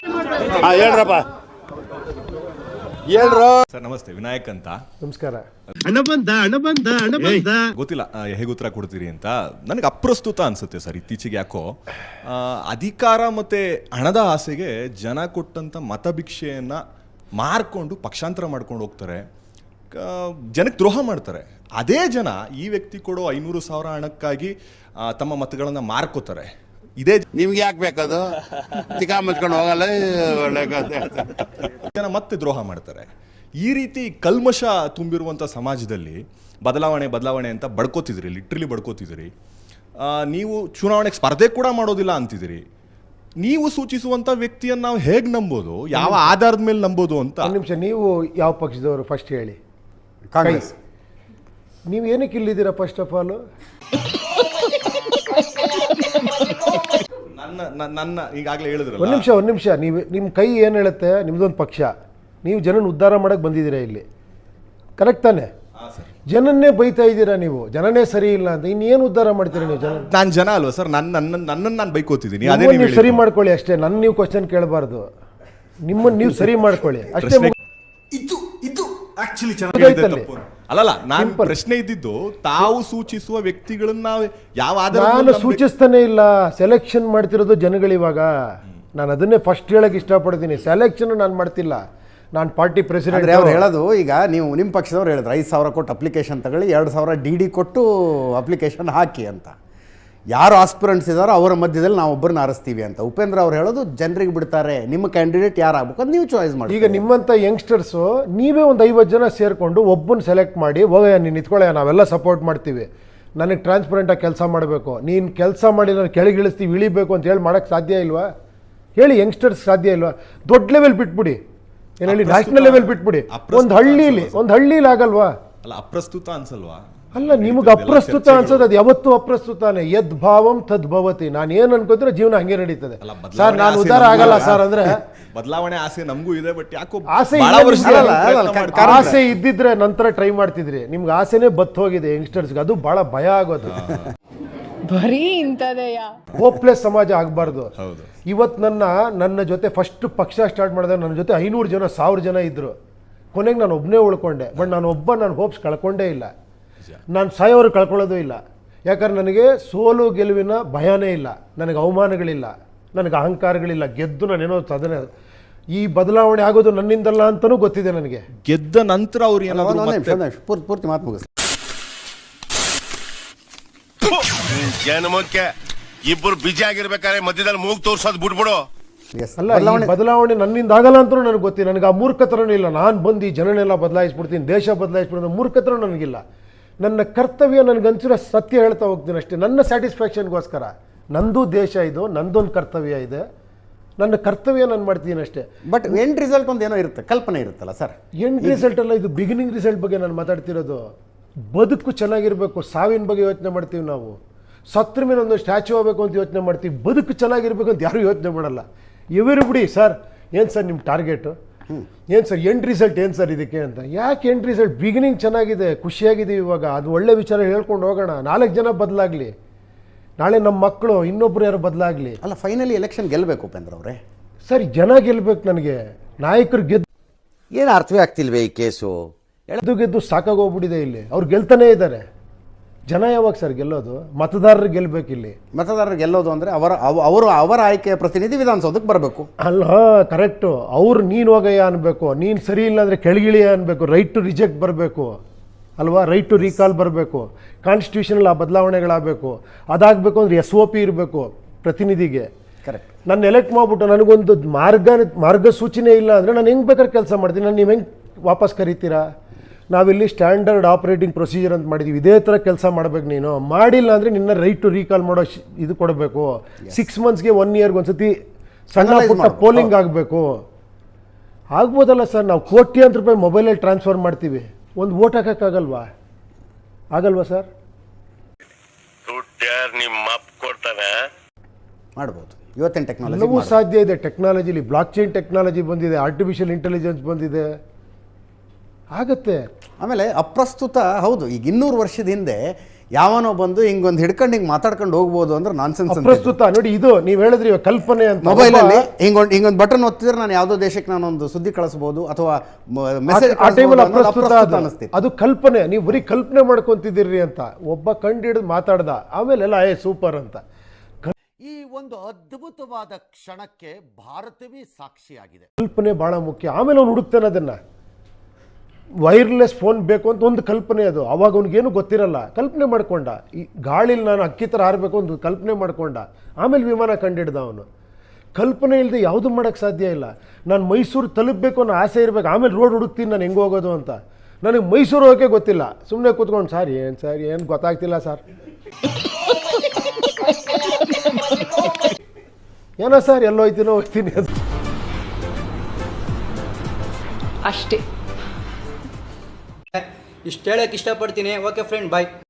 ಹೇಳ್ರಪ್ಪ ಹೇಳ್ರು sir ನಮಸ್ತೆ, ವಿನಾಯಕ್ ಅಂತ. ನಮಸ್ಕಾರ. ಹಣ ಬಂದ ಗೊತ್ತಿಲ್ಲ ಹೇಗೆ ಉತ್ತರ ಕೊಡ್ತೀರಿ ಅಂತ. ನನಗೆ ಅಪ್ರಸ್ತುತ ಅನ್ಸುತ್ತೆ ಸರ್ ಇತ್ತೀಚೆಗೆ. ಯಾಕೋ ಅಧಿಕಾರ ಮತ್ತೆ ಹಣದ ಆಸೆಗೆ ಜನ ಕೊಟ್ಟಂತ ಮತಭಿಕ್ಷೆಯನ್ನ ಮಾರ್ಕೊಂಡು ಪಕ್ಷಾಂತರ ಮಾಡ್ಕೊಂಡು ಹೋಗ್ತಾರೆ, ಜನಕ್ಕೆ ದ್ರೋಹ ಮಾಡ್ತಾರೆ. ಅದೇ ಜನ ಈ ವ್ಯಕ್ತಿ ಕೊಡೋ 500,000 ಹಣಕ್ಕಾಗಿ ತಮ್ಮ ಮತಗಳನ್ನ ಮಾರ್ಕೋತಾರೆ. ಇದೇ ನಿಮ್ಗೆ ಯಾಕೆ ಬೇಕದು? ಚಿಕ್ಕ ಮುಚ್ಕೊಂಡು ಹೋಗಲ್ಲ, ಒಳ್ಳೆ ಜನ ಮತ್ತೆ ದ್ರೋಹ ಮಾಡ್ತಾರೆ. ಈ ರೀತಿ ಕಲ್ಮಶ ತುಂಬಿರುವಂಥ ಸಮಾಜದಲ್ಲಿ ಬದಲಾವಣೆ ಅಂತ ಬಡ್ಕೋತಿದ್ರಿ, ಲಿಟ್ರಲಿ ಬಡ್ಕೋತಿದ್ರಿ. ನೀವು ಚುನಾವಣೆಗೆ ಸ್ಪರ್ಧೆ ಕೂಡ ಮಾಡೋದಿಲ್ಲ ಅಂತಿದ್ದೀರಿ. ನೀವು ಸೂಚಿಸುವಂಥ ವ್ಯಕ್ತಿಯನ್ನು ನಾವು ಹೇಗೆ ನಂಬೋದು, ಯಾವ ಆಧಾರದ ಮೇಲೆ ನಂಬೋದು ಅಂತ. ಒಂದು ನಿಮಿಷ, ನೀವು ಯಾವ ಪಕ್ಷದವರು ಫಸ್ಟ್ ಹೇಳಿ. ಕಾಂಗ್ರೆಸ್. ನೀವು ಏನಕ್ಕೆ ಇಲ್ಲಿದ್ದೀರಾ ಫಸ್ಟ್ ಆಫ್ ಆಲ್? ನನ್ನ ಈಗಾಗಲೇ ಹೇಳಿದ್ರಲ್ಲ. ಒಂದು ನಿಮಿಷ, ನೀವು ನಿಮ್ಮ ಕೈ ಏನು ಹೇಳುತ್ತೆ? ನಿಮ್ದೊಂದು ಪಕ್ಷ, ನೀವು ಜನನ ಉದ್ಧಾರ ಮಾಡಕ್ಕೆ ಬಂದಿದ್ದೀರಾ ಇಲ್ಲಿ, ಕರೆಕ್ಟ್ ತಾನೆ? ಜನನ್ನೇ ಬೈತಾ ಇದ್ದೀರಾ ನೀವು, ಜನನೇ ಸರಿ ಇಲ್ಲ ಅಂತ. ಇನ್ನೇನು ಉದ್ಧಾರ ಮಾಡ್ತೀರಾ ನೀವು? ನಾನು ಜನ ಅಲ್ವಾ ಸರ್? ನನ್ನನ್ನು ನಾನು ಬೈಕೋತಿದ್ದೀನಿ. ನೀವು ಸರಿ ಮಾಡ್ಕೊಳ್ಳಿ ಅಷ್ಟೇ. ನನ್ನ ನೀವು ಕ್ವಶನ್ ಕೇಳಬಾರ್ದು, ನಿಮ್ಮನ್ನು ನೀವು ಸರಿ ಮಾಡ್ಕೊಳ್ಳಿ ಅಷ್ಟೇ. ಅಲ್ಲಲ್ಲ, ನಾನು ಪ್ರಶ್ನೆ ಇದ್ದಿದ್ದು ತಾವು ಸೂಚಿಸುವ ವ್ಯಕ್ತಿಗಳನ್ನ ಯಾವ ಆಧಾರ. ನಾನು ಸೂಚಿಸ್ತಾನೆ ಇಲ್ಲ, ಸೆಲೆಕ್ಷನ್ ಮಾಡ್ತಿರೋದು ಜನಗಳಿವಾಗ. ನಾನು ಅದನ್ನೇ ಫಸ್ಟ್ ಹೇಳಕ್ಕೆ ಇಷ್ಟಪಡ್ತೀನಿ. ಸೆಲೆಕ್ಷನ್ ನಾನು ಮಾಡ್ತಿಲ್ಲ, ನಾನು ಪಾರ್ಟಿ ಪ್ರೆಸಿಡೆಂಟ್. ಅವ್ರು ಹೇಳೋದು, ಈಗ ನೀವು ನಿಮ್ಮ ಪಕ್ಷದವ್ರು ಹೇಳಿದ್ರು 5,000 ಕೊಟ್ಟು ಅಪ್ಲಿಕೇಶನ್ ತಗೊಳ್ಳಿ, 2,000 DD ಕೊಟ್ಟು ಅಪ್ಲಿಕೇಶನ್ ಹಾಕಿ ಅಂತ. ಯಾರು ಆಸ್ಪಿರೆಂಟ್ಸ್ ಇದ್ದಾರೋ ಅವರ ಮಧ್ಯದಲ್ಲಿ ನಾವು ಒಬ್ಬರನ್ನ ಆರಿಸ್ತೀವಿ ಅಂತ. ಉಪೇಂದ್ರ ಅವ್ರು ಹೇಳೋದು ಜನರಿಗೆ ಬಿಡ್ತಾರೆ, ನಿಮ್ಮ ಕ್ಯಾಂಡಿಡೇಟ್ ಯಾರು ಆಗ್ಬೇಕು ಅಂತ ನೀವು ಚಾಯ್ಸ್ ಮಾಡಿ. ಈಗ ನಿಮ್ಮಂಥ ಯಂಗ್ಸ್ಟರ್ಸು ನೀವೇ ಒಂದು 50 ಜನ ಸೇರಿಕೊಂಡು ಒಬ್ಬನ ಸೆಲೆಕ್ಟ್ ಮಾಡಿ, ಹೋಗಯ್ಯ ನೀನು ನಿಂತ್ಕೊಳ್ಳಯ್ಯ, ನಾವೆಲ್ಲ ಸಪೋರ್ಟ್ ಮಾಡ್ತೀವಿ, ನನಗೆ ಟ್ರಾನ್ಸ್ಪರೆಂಟಾಗಿ ಕೆಲಸ ಮಾಡಬೇಕು, ನೀನು ಕೆಲಸ ಮಾಡಿ ನಾನು ಕೆಳಗಿಳಿಸ್ತೀವಿ, ಇಳಿಬೇಕು ಅಂತ ಹೇಳಿ ಮಾಡೋಕ್ಕೆ ಸಾಧ್ಯ ಇಲ್ವಾ? ಹೇಳಿ, ಯಂಗ್ಸ್ಟರ್ಸ್ ಸಾಧ್ಯ ಇಲ್ವಾ? ದೊಡ್ಡ ಲೆವೆಲ್ ಬಿಟ್ಬಿಡಿ, ಏನು ಹೇಳಿ, ನ್ಯಾಷನಲ್ ಲೆವೆಲ್ ಬಿಟ್ಬಿಡಿ. ಒಂದು ಹಳ್ಳೀಲಿ ಆಗಲ್ವಾ? ಅಲ್ಲ, ಅಪ್ರಸ್ತುತ ಅನ್ಸಲ್ವಾ? ಅಲ್ಲ, ನಿಮಗೆ ಅಪ್ರಸ್ತುತ ಅನ್ಸೋದು ಅದು ಯಾವತ್ತೂ ಅಪ್ರಸ್ತುತಾನೆ. ಯದ್ ಭಾವಂ ತದ್ಭವತಿ. ನಾನು ಏನು ಅನ್ಕೋದ್ರೆ ಜೀವನ ಹಂಗೆ ನಡೀತದೆ ಸರ್. ನಾನು ಉದ್ಧಾರ ಆಗಲ್ಲ ಸರ್ ಅಂದ್ರೆ. ಬದಲಾವಣೆ ಆಸೆ ನಮಗೂ ಇದೆ, ಬಟ್ ಯಾಕೋ ಆಸೆ ಇದ್ದಿದ್ರೆ ನಂತರ ಟ್ರೈ ಮಾಡ್ತಿದ್ರಿ. ನಿಮ್ಗೆ ಆಸೆನೇ ಬತ್ ಹೋಗಿದೆ ಯಂಗ್ಸ್ಟರ್ಸ್ಗೆ, ಅದು ಬಹಳ ಭಯ ಆಗೋದು. ಬರೀ ಇಂಥದೆಯಾ? ಹೋಪ್ಲೆಸ್ ಸಮಾಜ ಆಗಬಾರ್ದು. ಇವತ್ತು ನನ್ನ ಜೊತೆ ಫಸ್ಟ್ ಪಕ್ಷ ಸ್ಟಾರ್ಟ್ ಮಾಡಿದಾಗ ನನ್ನ ಜೊತೆ 500 ಜನ 1000 ಜನ ಇದ್ರು. ಕೊನೆಗೆ ನಾನು ಒಬ್ಬನೇ ಉಳ್ಕೊಂಡೆ. ಬಟ್ ನಾನು ಹೋಪ್ಸ್ ಕಳ್ಕೊಂಡೇ ಇಲ್ಲ. ನಾನು ಸಾಯೋರು ಕಳ್ಕೊಳ್ಳೋದು ಇಲ್ಲ. ಯಾಕಂದ್ರೆ ನನಗೆ ಸೋಲು ಗೆಲುವಿನ ಭಯನೇ ಇಲ್ಲ, ನನಗೆ ಅವಮಾನಗಳಿಲ್ಲ, ನನಗೆ ಅಹಂಕಾರಗಳಿಲ್ಲ. ಗೆದ್ದು ನಾನೇನೋ ಸಾಧನೆ, ಈ ಬದಲಾವಣೆ ಆಗೋದು ನನ್ನಿಂದಲ್ಲ ಅಂತಲೂ ಗೊತ್ತಿದೆ ನನಗೆ. ಗೆದ್ದ ನಂತರ ಅವ್ರು ಏನಾದ್ರು ಪೂರ್ತಿ ಮಾತು ಮುಗಿಸ್. ಜನಮಕ್ಕೆ ಇಬ್ಬರು ಬಿಜಿ ಆಗಿರ್ಬೇಕಾದ್ರೆ ಮಧ್ಯದಲ್ಲಿ ಮೂಗ್ ತೋರ್ಸೋದು ಬಿಟ್ಬಿಡು. ಅಲ್ಲ, ಬದಲಾವಣೆ ನನ್ನಿಂದ ಆಗಲ್ಲ ಅಂತಲೂ ನನಗೆ ಗೊತ್ತಿಲ್ಲ. ನನಗೆ ಆ ಮೂರ್ಖತನೂ ಇಲ್ಲ. ನಾನು ಬಂದು ಈ ಜನನೆಲ್ಲ ಬದಲಾಯಿಸ್ಬಿಡ್ತೀನಿ, ದೇಶ ಬದಲಾಯಿಸ್ಬಿಡ್ತೀನಿ, ಮೂರ್ಖತನ ನನಗಿಲ್ಲ. ನನ್ನ ಕರ್ತವ್ಯ ನನಗನ್ಸಿರೋ ಸತ್ಯ ಹೇಳ್ತಾ ಹೋಗ್ತೀನಿ ಅಷ್ಟೇ, ನನ್ನ ಸ್ಯಾಟಿಸ್ಫ್ಯಾಕ್ಷನ್ಗೋಸ್ಕರ. ನಂದು ದೇಶ ಇದು, ನಂದೊಂದು ಕರ್ತವ್ಯ ಇದೆ, ನನ್ನ ಕರ್ತವ್ಯ ನಾನು ಮಾಡ್ತೀನಿ ಅಷ್ಟೇ. ಬಟ್ ಎಂಡ್ ರಿಸಲ್ಟ್ ಒಂದು ಏನೋ ಇರುತ್ತೆ, ಕಲ್ಪನೆ ಇರುತ್ತಲ್ಲ ಸರ್. ಎಂಡ್ ರಿಸಲ್ಟ್ ಅಲ್ಲ, ಇದು ಬಿಗಿನಿಂಗ್ ರಿಸಲ್ಟ್ ಬಗ್ಗೆ ನಾನು ಮಾತಾಡ್ತಿರೋದು. ಬದುಕು ಚೆನ್ನಾಗಿರಬೇಕು, ಸಾವಿನ ಬಗ್ಗೆ ಯೋಚನೆ ಮಾಡ್ತೀವಿ ನಾವು. ಸತ್ರ ಮೇಲೆ ಒಂದು ಸ್ಟ್ಯಾಚ್ಯೂ ಆಗಬೇಕು ಅಂತ ಯೋಚನೆ ಮಾಡ್ತೀವಿ, ಬದುಕು ಚೆನ್ನಾಗಿರ್ಬೇಕು ಅಂತ ಯಾರೂ ಯೋಚನೆ ಮಾಡಲ್ಲ. ಇವರು ಬಿಡಿ ಸರ್, ಏನು ಸರ್ ನಿಮ್ಮ ಟಾರ್ಗೆಟು, ಏನು ಸರ್ ಎಂಡ್ ರಿಸಲ್ಟ್, ಏನು ಸರ್ ಇದಕ್ಕೆ ಅಂತ. ಯಾಕೆ ಎಂಡ್ ರಿಸಲ್ಟ್? ಬಿಗಿನಿಂಗ್ ಚೆನ್ನಾಗಿದೆ, ಖುಷಿಯಾಗಿದ್ದೀವಿ ಇವಾಗ, ಅದು ಒಳ್ಳೆ ವಿಚಾರ ಹೇಳ್ಕೊಂಡು ಹೋಗೋಣ. 4 ಜನ ಬದಲಾಗಲಿ, ನಾಳೆ ನಮ್ಮ ಮಕ್ಕಳು ಇನ್ನೊಬ್ರು ಯಾರು ಬದಲಾಗಲಿ. ಅಲ್ಲ, ಫೈನಲಿ ಎಲೆಕ್ಷನ್ ಗೆಲ್ಲಬೇಕು ಉಪೇಂದ್ರ ಅವರೇ. ಸರ್, ಜನ ಗೆಲ್ಲಬೇಕು. ನನಗೆ ನಾಯಕರು ಏನು ಅರ್ಥವೇ ಆಗ್ತಿಲ್ವೇ ಈ ಕೇಸು? ಗೆದ್ದು ಸಾಕಾಗೋಗ್ಬಿಟ್ಟಿದೆ ಇಲ್ಲಿ. ಅವ್ರು ಗೆಲ್ತಾನೇ ಇದ್ದಾರೆ. ಜನ ಯಾವಾಗ ಸರ್ ಗೆಲ್ಲೋದು? ಮತದಾರರು ಗೆಲ್ಲಬೇಕು ಇಲ್ಲಿ. ಮತದಾರರು ಗೆಲ್ಲೋದು ಅಂದರೆ ಅವರ ಆಯ್ಕೆಯ ಪ್ರತಿನಿಧಿ ವಿಧಾನಸೌಧಕ್ಕೆ ಬರಬೇಕು. ಅಲ್ಲ, ಕರೆಕ್ಟು. ಅವ್ರು ನೀನು ಹೋಗಯ್ಯ ಅನ್ಬೇಕು, ನೀನು ಸರಿ ಇಲ್ಲ ಅಂದರೆ ಕೆಳಗಿಳಿಯ ಅನ್ಬೇಕು, ರೈಟ್ ಟು ರಿಜೆಕ್ಟ್ ಬರಬೇಕು ಅಲ್ವಾ, ರೈಟ್ ಟು ರೀಕಾಲ್ ಬರಬೇಕು, ಕಾನ್ಸ್ಟಿಟ್ಯೂಷನಲ್ಲಿ ಆ ಬದಲಾವಣೆಗಳಾಗಬೇಕು. ಅದಾಗಬೇಕು ಅಂದರೆ SOP ಇರಬೇಕು ಪ್ರತಿನಿಧಿಗೆ. ಕರೆಕ್ಟ್. ನಾನು ಎಲೆಕ್ಟ್ ಮಾಡಿಬಿಟ್ಟು ನನಗೊಂದು ಮಾರ್ಗಸೂಚಿನೇ ಇಲ್ಲ ಅಂದರೆ ನಾನು ಹೆಂಗೆ ಬೇಕಾದ್ರೆ ಕೆಲಸ ಮಾಡ್ತೀನಿ. ನಾನು ನೀವು ಹೆಂಗೆ ವಾಪಸ್ ಕರಿತೀರಾ? ನಾವಿಲ್ಲಿ ಸ್ಟ್ಯಾಂಡರ್ಡ್ ಆಪರೇಟಿಂಗ್ ಪ್ರೊಸೀಜರ್ ಅಂತ ಮಾಡಿದ್ದೀವಿ, ಇದೇ ಥರ ಕೆಲಸ ಮಾಡಬೇಕು. ನೀನು ಮಾಡಿಲ್ಲ ಅಂದರೆ ನಿನ್ನ ರೈಟ್ ಟು ರೀಕಾಲ್ ಮಾಡೋ ಇದು ಕೊಡಬೇಕು. 6 ಮಂತ್ಸ್ಗೆ 1 ಇಯರ್ಗೆ ಒಂದ್ಸತಿ ಸಣ್ಣ ಪುಟ್ಟ ಪೋಲಿಂಗ್ ಆಗಬೇಕು. ಆಗ್ಬೋದಲ್ಲ ಸರ್? ನಾವು ಕೋಟ್ಯಾಂತರ ರೂಪಾಯಿ ಮೊಬೈಲಲ್ಲಿ ಟ್ರಾನ್ಸ್ಫರ್ ಮಾಡ್ತೀವಿ, ಒಂದು ವೋಟ್ ಹಾಕೋಕ್ಕಾಗಲ್ವಾ? ಆಗಲ್ವಾ ಸರ್? ಮಾಡ್ಬೋದು. ಇವತ್ತಿನ ಟೆಕ್ನಾಲಜಿ ಎಲ್ಲವೂ ಸಾಧ್ಯ ಇದೆ. ಟೆಕ್ನಾಲಜಿಲಿ ಬ್ಲಾಕ್ ಚೈನ್ ಟೆಕ್ನಾಲಜಿ ಬಂದಿದೆ, ಆರ್ಟಿಫಿಷಿಯಲ್ ಇಂಟೆಲಿಜೆನ್ಸ್ ಬಂದಿದೆ, ಆಗತ್ತೆ. ಆಮೇಲೆ ಅಪ್ರಸ್ತುತ ಹೌದು. ಈಗ 200 ವರ್ಷದ ಹಿಂದೆ ಯಾವನೋ ಬಂದು ಹಿಂಗೊಂದು ಹಿಡ್ಕೊಂಡು ಹಿಂಗೆ ಮಾತಾಡ್ಕೊಂಡು ಹೋಗ್ಬೋದು ಅಂದ್ರೆ ನಾನ್ಸೆನ್ಸ್. ಪ್ರಸ್ತುತ ನೋಡಿ, ಇದು ನೀವು ಹೇಳಿದ್ರಿ ಇವಾಗ ಕಲ್ಪನೆ ಅಂತ. ಮೊಬೈಲಲ್ಲಿ ಹಿಂಗೊಂದು ಬಟನ್ ಒತ್ತಿದ್ರೆ ನಾನು ಯಾವುದೋ ದೇಶಕ್ಕೆ ನಾನೊಂದು ಸುದ್ದಿ ಕಳಿಸ್ಬೋದು ಅಥವಾ ಮೆಸೇಜ್ ಆ ಟೈಮಲ್ಲಿ ಅಪ್ರಸ್ತುತ ಅನಿಸ್ತಿತ್ತು. ಅದು ಕಲ್ಪನೆ, ನೀವು ಬರೀ ಕಲ್ಪನೆ ಮಾಡ್ಕೊಂತಿದ್ದೀರಿ ಅಂತ. ಒಬ್ಬ ಕಂಡು ಹಿಡಿದು ಮಾತಾಡ್ದ, ಆಮೇಲೆ ಎಲ್ಲ ಸೂಪರ್ ಅಂತ. ಈ ಒಂದು ಅದ್ಭುತವಾದ ಕ್ಷಣಕ್ಕೆ ಭಾರತವೇ ಸಾಕ್ಷಿಯಾಗಿದೆ. ಕಲ್ಪನೆ ಬಹಳ ಮುಖ್ಯ. ಆಮೇಲೆ ಅವ್ನು ಹುಡುಕ್ತಾನೆ ಅದನ್ನ. ವೈರ್ಲೆಸ್ ಫೋನ್ ಬೇಕು ಅಂತ ಒಂದು ಕಲ್ಪನೆ ಅದು. ಅವಾಗ ಅವ್ನಿಗೇನು ಗೊತ್ತಿರಲ್ಲ, ಕಲ್ಪನೆ ಮಾಡ್ಕೊಂಡ. ಈ ಗಾಳಿಲಿ ನಾನು ಅಕ್ಕಿ ಥರ ಹಾರಬೇಕು ಒಂದು ಕಲ್ಪನೆ ಮಾಡ್ಕೊಂಡ, ಆಮೇಲೆ ವಿಮಾನ ಕಂಡಿಡ್ದ ಅವನು. ಕಲ್ಪನೆ ಇಲ್ಲದೆ ಯಾವುದು ಮಾಡೋಕ್ಕೆ ಸಾಧ್ಯ ಇಲ್ಲ. ನಾನು ಮೈಸೂರು ತಲುಪಬೇಕು ಅನ್ನೋ ಆಸೆ ಇರಬೇಕು, ಆಮೇಲೆ ರೋಡ್ ಹುಡುಕ್ತೀನಿ ನಾನು ಹೆಂಗೆ ಹೋಗೋದು ಅಂತ. ನನಗೆ ಮೈಸೂರು ಹೋಗೋಕ್ಕೆ ಗೊತ್ತಿಲ್ಲ, ಸುಮ್ಮನೆ ಕೂತ್ಕೊಂಡು ಸರ್ ಏನು ಗೊತ್ತಾಗ್ತಿಲ್ಲ ಸರ್, ಏನೋ ಸರ್ ಎಲ್ಲೋ ಹೋಗ್ತೀನಿ ಅದು ಅಷ್ಟೇ. ಇಷ್ಟು ಹೇಳಕ್ಕೆ ಇಷ್ಟಪಡ್ತೀನಿ. ಓಕೆ ಫ್ರೆಂಡ್, ಬಾಯ್.